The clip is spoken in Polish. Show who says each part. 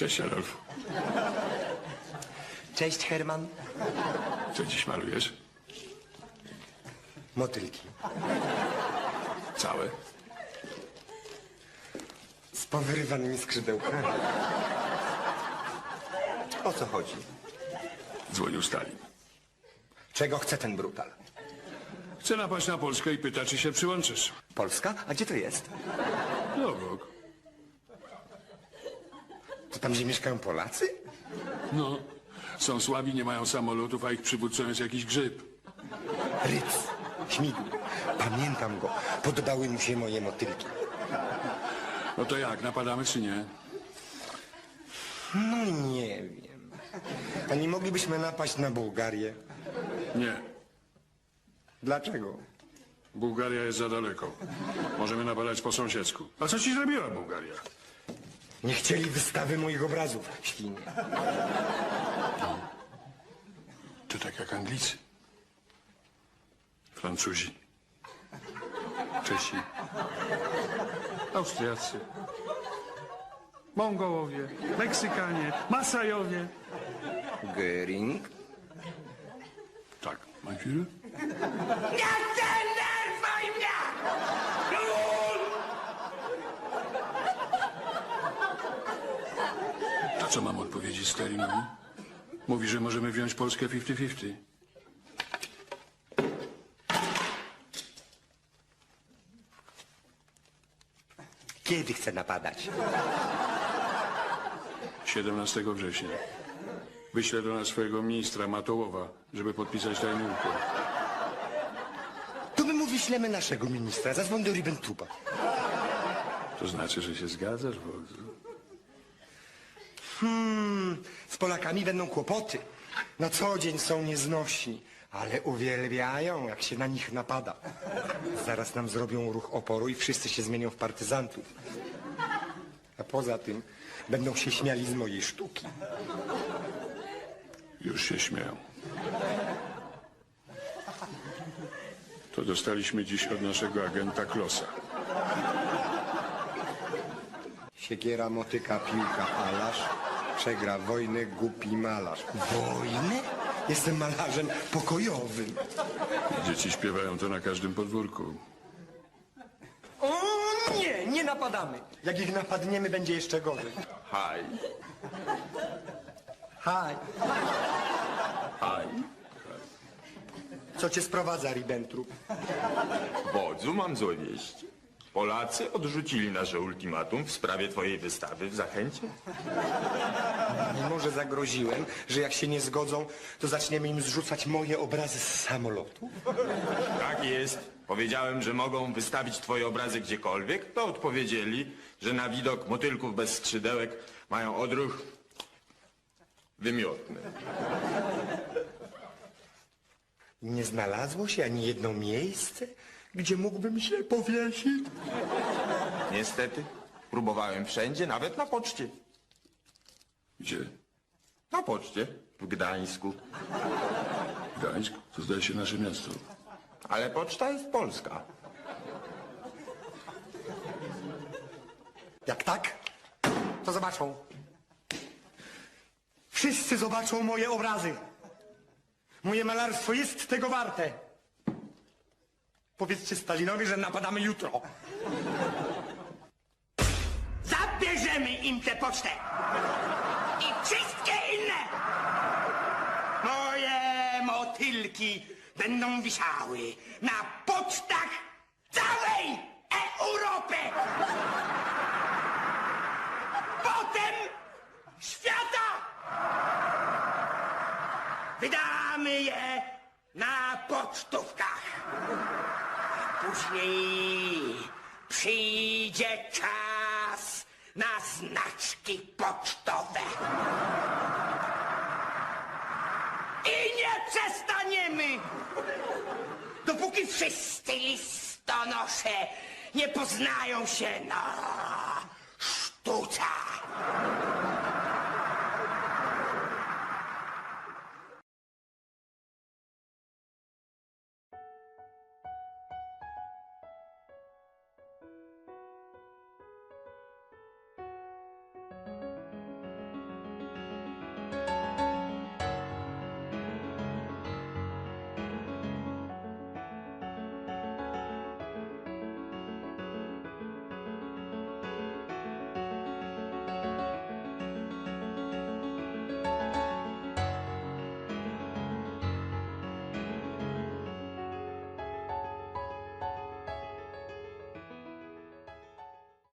Speaker 1: Cześć, Adolf.
Speaker 2: Cześć, Herman.
Speaker 1: Co dziś malujesz?
Speaker 2: Motylki.
Speaker 1: Całe?
Speaker 2: Z powyrywanymi skrzydełkami. O co chodzi?
Speaker 1: Dzwonił Stalin.
Speaker 2: Czego chce ten brutal?
Speaker 1: Chce napaść na Polskę i pyta, czy się przyłączysz.
Speaker 2: Polska? A gdzie to jest?
Speaker 1: No, obok.
Speaker 2: To tam, gdzie mieszkają Polacy?
Speaker 1: No, są słabi, nie mają samolotów, a ich przywódcą jest jakiś grzyb.
Speaker 2: Ryc. Śmigł. Pamiętam go. Podobały mu się moje motylki.
Speaker 1: No to jak, napadamy czy nie?
Speaker 2: No nie wiem. A nie moglibyśmy napaść na Bułgarię?
Speaker 1: Nie.
Speaker 2: Dlaczego?
Speaker 1: Bułgaria jest za daleko. Możemy napadać po sąsiedzku. A co ci zrobiła Bułgaria?
Speaker 2: Nie chcieli wystawy moich obrazów, świnie.
Speaker 1: To tak jak Anglicy. Francuzi. Czesi. Austriacy.
Speaker 3: Mongołowie, Meksykanie, Masajowie.
Speaker 2: Göring?
Speaker 1: Tak, mein Führer?
Speaker 4: Nie denerwuj mnie!
Speaker 1: To co mam odpowiedzieć Stalinowi? Mówi, że możemy wziąć Polskę 50-50.
Speaker 2: Kiedy chce napadać?
Speaker 1: 17 września. Wyślę do nas swojego ministra Matołowa, żeby podpisać tajny układ.
Speaker 2: To my mu wyślemy naszego ministra. Zadzwoń do Ribbentupa.
Speaker 1: To znaczy, że się zgadzasz, wodzu?
Speaker 2: Z Polakami będą kłopoty. Na co dzień są nieznośni, ale uwielbiają, jak się na nich napada. Zaraz nam zrobią ruch oporu i wszyscy się zmienią w partyzantów. A poza tym będą się śmiali z mojej sztuki.
Speaker 1: Już się śmieją. To dostaliśmy dziś od naszego agenta Klossa.
Speaker 2: Siekiera, motyka, piłka, alarz. Przegra wojnę, głupi malarz. Wojnę? Jestem malarzem pokojowym.
Speaker 1: Dzieci śpiewają to na każdym podwórku.
Speaker 2: O nie, nie napadamy. Jak ich napadniemy, będzie jeszcze gorzej.
Speaker 5: Haj,
Speaker 2: Haj.
Speaker 5: haj.
Speaker 2: Co cię sprowadza, Ribbentrop?
Speaker 5: Wodzu, mam złe wieści. Polacy odrzucili nasze ultimatum w sprawie twojej wystawy w Zachęcie.
Speaker 2: Mimo że zagroziłem, że jak się nie zgodzą, to zaczniemy im zrzucać moje obrazy z samolotu.
Speaker 5: Tak jest. Powiedziałem, że mogą wystawić twoje obrazy gdziekolwiek, to odpowiedzieli, że na widok motylków bez skrzydełek mają odruch wymiotny.
Speaker 2: Nie znalazło się ani jedno miejsce, gdzie mógłbym się powiesić.
Speaker 5: Niestety, próbowałem wszędzie, nawet na poczcie.
Speaker 1: Gdzie?
Speaker 5: Na poczcie w Gdańsku.
Speaker 1: Gdańsk? To zdaje się nasze miasto.
Speaker 5: Ale poczta jest polska.
Speaker 2: Jak tak, to zobaczą. Wszyscy zobaczą moje obrazy. Moje malarstwo jest tego warte. Powiedzcie Stalinowi, że napadamy jutro.
Speaker 4: Zabierzemy im tę pocztę! I wszystkie inne! Moje motylki będą wisiały na pocztach całej Europy! Potem świata! Wydamy je na pocztówkach. Później przyjdzie czas na znaczki pocztowe. I nie przestaniemy, dopóki wszyscy listonosze nie poznają się na sztuce.